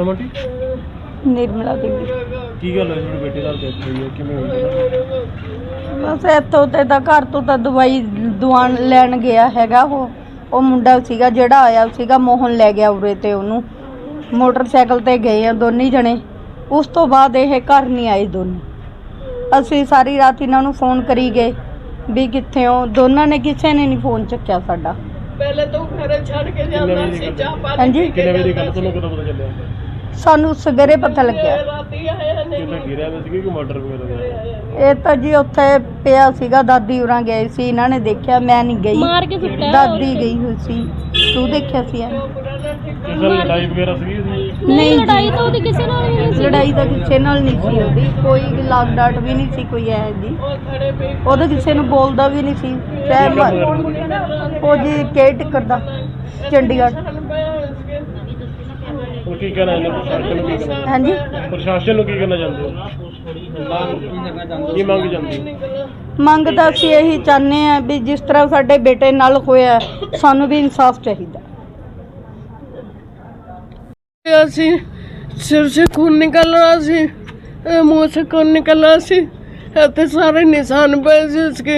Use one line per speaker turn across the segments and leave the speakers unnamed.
ਨਾਮ ਆਂਟੀ?
ਨਿਰਮਲਾ ਦੇਵੀ।
ਕੀ ਗੱਲ ਹੈ ਤੁਹਾਡੇ ਬੇਟੇ ਨਾਲ ਡੈਥ ਹੋਈ ਹੈ, ਕਿਵੇਂ ਹੋਈ?
ਬਸ ਇੱਥੋਂ ਤੇ ਤਾਂ ਘਰ ਤੋਂ ਤਾਂ ਦਵਾਈ ਦਵਾਨ ਲੈਣ ਗਿਆ ਹੈਗਾ। ਉਹ ਮੁੰਡਾ ਸੀਗਾ ਜਿਹੜਾ ਆਇਆ ਸੀਗਾ, ਮੋਹਨ ਲੈ ਗਿਆ ਉਰੇ ਤੇ ਉਹਨੂੰ। ਮੋਟਰਸਾਈਕਲ ਤੇ ਗਏ ਆ ਦੋਨੇ ਜਣੇ। ਉਸ ਤੋਂ ਬਾਅਦ ਇਹ ਘਰ ਨਹੀਂ ਆਏ ਦੋਨੇ। ਅਸੀਂ ਸਾਰੀ ਰਾਤ ਇਹਨਾਂ ਨੂੰ ਫੋਨ ਕਰੀ ਗਏ ਵੀ ਕਿੱਥੇ ਹੋ। ਦੋਨਾਂ ਨੇ ਕਿਸੇ ਨੇ ਨਹੀਂ ਫੋਨ ਚੱਕਿਆ ਸਾਡਾ।
ਪਹਿਲੇ ਤਾਂ ਘਰੇ ਛੱਡ ਕੇ ਜਾਂਦਾ ਸੀ ਚਾਹ ਪਾਣੀ।
ਹਾਂਜੀ,
ਕਿੰਨੇ ਵਜੇ ਦੀ ਗੱਲ, ਤੁਹਾਨੂੰ ਕਦੋਂ ਪਤਾ ਚੱਲਿਆ?
ਸਾਨੂੰ ਸਵੇਰੇ ਪਤਾ ਲੱਗਿਆ।
ਰਾਤੀ ਆਇਆ ਨਹੀਂ।
ਕਿਤੇ ਗਿਰਿਆ ਹੋਇਆ ਸੀ ਕਿ ਮਰਡਰ ਵਗੈਰਾ ਹੋਇਆ?
ਇਹ ਤਾਂ ਜੀ ਉੱਥੇ ਪਿਆ ਸੀਗਾ, ਦਾਦੀ ਉਰਾਂ ਗਏ ਸੀ, ਇਹਨਾਂ ਨੇ ਦੇਖਿਆ, ਮੈਂ ਨਹੀਂ ਗਈ,
ਮਾਰ ਕੇ ਸੁੱਟਿਆ।
ਦਾਦੀ ਗਈ ਹੋਈ ਸੀ। ਤੂੰ ਦੇਖਿਆ ਸੀ?
ਕਿਸੇ ਨਾਲ ਲੜਾਈ ਵਗੈਰਾ ਸੀਗੀ?
ਨਹੀਂ, ਲੜਾਈ ਤਾਂ ਉਹਦੀ ਕਿਸੇ ਨਾਲ ਵੀ ਨਹੀਂ ਸੀ।
ਲੜਾਈ ਤਾਂ ਕਿਸੇ ਨਾਲ ਨਹੀਂ ਸੀ ਉਹਦੀ, ਕੋਈ ਲਾਗ ਡਾਟ ਵੀ ਨਹੀਂ ਸੀ ਕੋਈ ਹੈ ਜੀ। ਉਹ ਤਾਂ ਕਿਸੇ ਨੂੰ ਬੋਲਦਾ ਵੀ ਨਹੀਂ ਸੀ। ਉਹ ਜੀ ਕੇਅਰ ਟੇਕਰ ਦਾ ਚੰਡੀਗੜ੍ਹ।
ਹੁਣ ਕੀ ਕਹਿਣਾ ਇਹਨੇ ਪ੍ਰਸ਼ਾਸਨ ਨੂੰ? ਕੀ ਕਹਿਣਾ?
ਹਾਂਜੀ,
ਪ੍ਰਸ਼ਾਸਨ ਨੂੰ ਕੀ ਕਹਿਣਾ ਚਾਹੁੰਦੇ ਹੋ? ਕੀ ਮੰਗ ਜਾਂਦੀ?
ਮੰਗ ਤਾਂ ਅਸੀਂ ਇਹੀ ਚਾਹੁੰਦੇ ਹਾਂ ਵੀ ਜਿਸ ਤਰ੍ਹਾਂ ਸਾਡੇ ਬੇਟੇ ਨਾਲ ਹੋਇਆ, ਸਾਨੂੰ ਵੀ ਇਨਸਾਫ ਚਾਹੀਦਾ।
ਅਸੀਂ ਸਿਰ ਸੇ खून निकल रहा सी, मुंह से खून निकल रहा सी, ਤੇ ਸਾਰੇ ਨਿਸ਼ਾਨ ਪਏ ਸੀ ਇਸਕੇ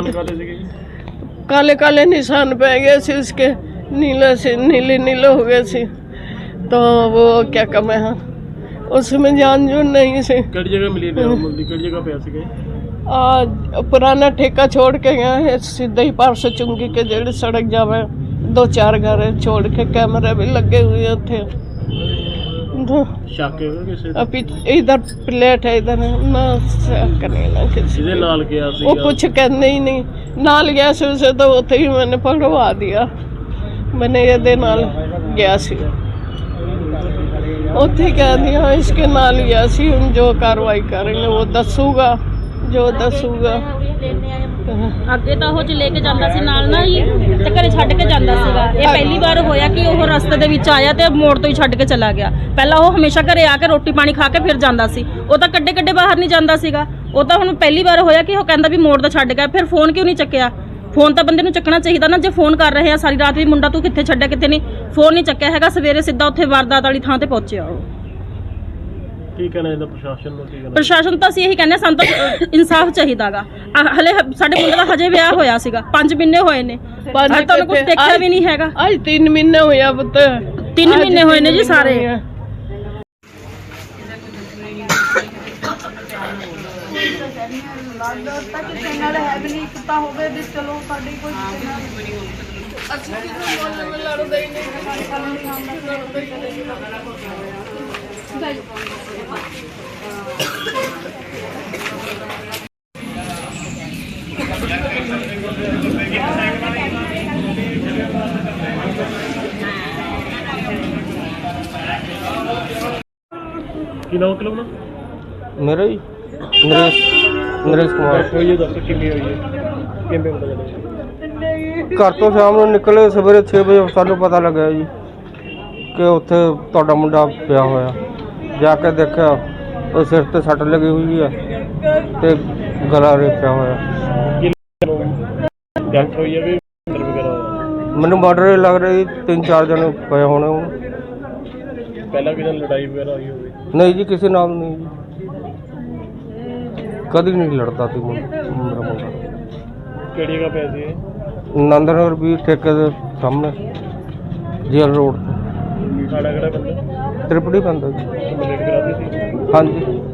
काले काले निशान पै गए थे इसके, नीले से नीले नीले हो गए थे। तो वो क्या कम है, उसमें जान जो नहीं से।
ਕਿਹੜੀ ਜਗ੍ਹਾ ਮਿਲੀ ਮੁੰਡੀ? ਕਿਹੜੀ ਜਗ੍ਹਾ ਪਿਆ ਸੀਗਾ?
आज पुराना ठेका छोड़ के गया है सीधे ही पार से चुंगी के जेड़ी सड़क जावे 2-4 घर छोड़ के कैमरे भी लगे हुए थे।
ਸ਼ੱਕ ਹੈ ਕਿਸੇ ਤੇ?
अभी इधर प्लेट है, इधर ना करने ना किसी
ਜਿਹਦੇ ਨਾਲ ਗਿਆ ਸੀ
वो कुछ कहने ही नहीं। नाल गया सी उसे तो उथे ही मैंने पकड़वा दिया। मैंने ये नाल गया सी, उथे कह दिया इसके नाल गया सी। हम जो कार्रवाई करेंगे वो दसूगा, जो दसूगा।
ਅੱਗੇ ਤਾਂ ਉਹ ਚ ਲੈ ਕੇ ਜਾਂਦਾ ਸੀ ਨਾਲ ਨਾ ਜੀ, ਤੇ ਘਰੇ ਛੱਡ ਕੇ ਜਾਂਦਾ ਸੀਗਾ। ਇਹ ਪਹਿਲੀ ਵਾਰ ਹੋਇਆ ਕਿ ਉਹ ਰਸਤੇ ਦੇ ਵਿੱਚ ਆਇਆ ਤੇ ਮੋੜ ਤੋਂ ਹੀ ਛੱਡ ਕੇ ਚਲਾ ਗਿਆ। ਪਹਿਲਾਂ ਉਹ ਹਮੇਸ਼ਾ ਘਰੇ ਆ ਕੇ ਰੋਟੀ ਪਾਣੀ ਖਾ ਕੇ ਫਿਰ ਜਾਂਦਾ ਸੀ। ਉਹ ਤਾਂ ਕੱਡੇ ਬਾਹਰ ਨਹੀਂ ਜਾਂਦਾ ਸੀਗਾ। ਉਹ ਤਾਂ ਹੁਣ ਪਹਿਲੀ ਵਾਰ ਹੋਇਆ ਕਿ ਉਹ ਕਹਿੰਦਾ ਵੀ ਮੋੜ ਤੋਂ ਛੱਡ ਗਿਆ। ਫਿਰ ਫੋਨ ਕਿਉਂ ਨਹੀਂ ਚੱਕਿਆ? ਫੋਨ ਤਾਂ ਬੰਦੇ ਨੂੰ ਚੱਕਣਾ ਚਾਹੀਦਾ ਨਾ। ਜੇ ਫੋਨ ਕਰ ਰਹੇ ਆ ਸਾਰੀ ਰਾਤ ਵੀ ਮੁੰਡਾ ਤੂੰ ਕਿੱਥੇ ਛੱਡਿਆ ਕਿੱਥੇ ਨਹੀਂ, ਫੋਨ ਨਹੀਂ ਚੱਕਿਆ ਹੈਗਾ। ਸਵੇਰੇ ਸਿੱਧਾ ਉੱਥੇ ਵਾਰਦਾਤ ਵਾਲੀ ਥਾਂ ਤੇ ਪਹੁੰਚਿਆ ਉਹ।
ਕੀ ਕਹਿਣਾ ਇਹਦਾ ਪ੍ਰਸ਼ਾਸਨ ਨੂੰ? ਕੀ ਕਹਿਣਾ?
ਪ੍ਰਸ਼ਾਸਨ ਤਾਂ ਅਸੀਂ ਇਹੀ ਕਹਿੰਦੇ, ਸਾਨੂੰ ਤਾਂ ਇਨਸਾਫ ਚਾਹੀਦਾਗਾ। ਹਲੇ ਸਾਡੇ ਮੁੰਡੇ ਦਾ ਹਜੇ ਵਿਆਹ ਹੋਇਆ ਸੀਗਾ, 5 ਮਹੀਨੇ ਹੋਏ ਨੇ, ਹਜੇ ਤੁਹਾਨੂੰ ਕੁਝ ਦੇਖਿਆ ਵੀ ਨਹੀਂ ਹੈਗਾ।
आज 3 महीने होया पुत,
3 ਮਹੀਨੇ ਹੋਏ ਨੇ ਜੀ ਸਾਰੇ।
ਕਿਸੇ ਨਾਲ ਹੈ ਵੀ ਨਹੀਂ ਪਤਾ ਹੋਵੇ ਵੀ ਚਲੋ ਸਾਡੀ ਕੋਈ
ਕੀ ਨਾਮ ਕਿਲੋ ਨਾ?
मेरा ही नरेश कुमार।
ਹੋਈ ਹੈ, ਦੱਸੋ ਕਿੰਨੀ ਹੋਈ ਹੈ, ਕਿੰਨੇ ਪਤਾ ਚੱਲਿਆ?
घर तो शाम ਨੂੰ ਨਿਕਲੇ, ਸਵੇਰੇ 6 ਵਜੇ ਸਾਨੂੰ ਪਤਾ ਲੱਗਿਆ ਜੀ ਕਿ ਉੱਥੇ ਤੁਹਾਡਾ ਮੁੰਡਾ ਪਿਆ ਹੋਇਆ। ਜਾ ਕੇ ਦੇਖਿਆ ਉਹ ਸਿਰ ਤੇ ਸੱਟ ਲੱਗੀ ਹੋਈ ਹੈ ਤੇ ਗਲਾ ਰੇਪਿਆ ਹੋਇਆ।
ਡਾਕਟਰ ਹੋਈ ਹੈ ਵੀ ਮਰਡਰ ਵਗੈਰਾ ਹੋਇਆ?
ਮੈਨੂੰ ਮਰਡਰ ਲੱਗ ਰਹੀ 3-4 ਜਣੇ ਪਏ ਹੋਣੇ ਹੁਣ।
ਪਹਿਲਾਂ ਕਿਸੇ ਨਾਲ ਲੜਾਈ ਵਗੈਰਾ ਹੋਈ ਹੋਵੇ?
ਨਹੀਂ ਜੀ, ਕਿਸੇ ਨਾਲ ਨਹੀਂ ਜੀ, ਕਦੀ ਨਹੀਂ ਲੜਦਾ ਸੀ ਮੇਰਾ ਮੁੰਡਾ।
ਕਿਹੜੀ ਜਗ੍ਹਾ ਪਿਆ ਸੀ ਇਹ?
ਨੰਦਨਗਰ ਵੀ ਠੇਕੇ ਦੇ ਸਾਹਮਣੇ ਜੇਲ ਰੋਡ ਤੇ।
ਖਾੜਾ ਕਿਹੜਾ ਬੰਦਾ?
ਤ੍ਰਿਪੜੀ ਪੈਂਦਾ ਜੀ।
ਕੰਪਲੀਟ ਕਰਾ ਦਿੱਤੀ ਸੀ?
ਹਾਂਜੀ।